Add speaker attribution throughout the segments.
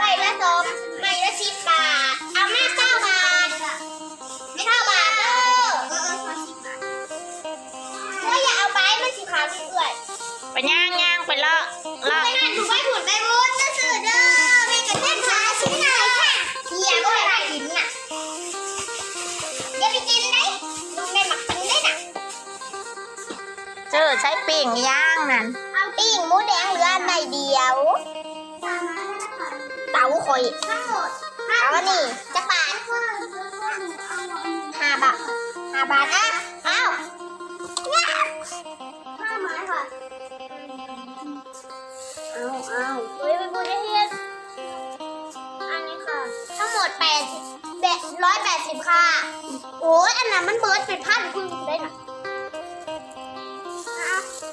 Speaker 1: ละสองใบละ10 บาทเอาแม่9 บาทไม่9 บาทเด้ออย่าเอาไปมันสิขาดเรื่อย
Speaker 2: ไปย่างไปเลาะ
Speaker 1: ไปหันถูไปหุ่นไปวุ้นซื่อเด้อแม่กับแม่ขาชิ้นไหนค่ะเฮียก็ไม่ได้กินน่ะอย่าไปกินได้ลุงแม่หมักกินได้น่ะ
Speaker 2: เจอใช้ปิ่งย่างนั่น
Speaker 1: เอาปิ้งหมูแดงเหลืออันใดเดียวเต๋าข่อยเอาอันนี้จะบาท5 บาท5 บาทอ่ะเอา5 ไม้ค่ะเอาเฮ้ยไปบุญได้เฮียอันนี้ค่ะทั้งหมด180ค่ะโอ้ยอันนั้นมันเบิร์ดเป็นพันคุณได้หน่ะเอา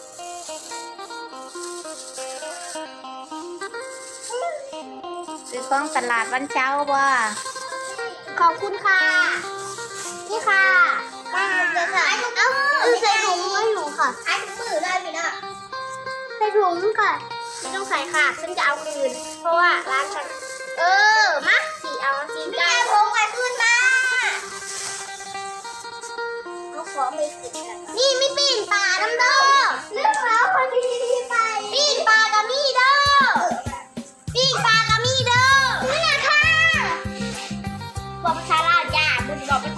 Speaker 2: ซื้อของตลาดวันเจ้าบ่
Speaker 1: ขอบคุณค่ะ นี่ค่ะเดี๋ยวค่ะใส่ถุงไว้หนูค่ะใช้ถุงมือได้ไหมล่ะใส่ถุงค่ะไม่ต้องใส่ค่ะฉันจะเอาคืน เพราะว่าร้านฉันมาสีเอาสีได้พงไปคืนมาเขาขอไปสินี่ไม่ปีนป่าน้ำเด้อเรื่องแล้วคนที่ไปปีนป่ากับมี่เด้อปีนป่ากับมี่เด้อนี่ค่ะบอกภาษาลาวจ้าบุญบอกภาษา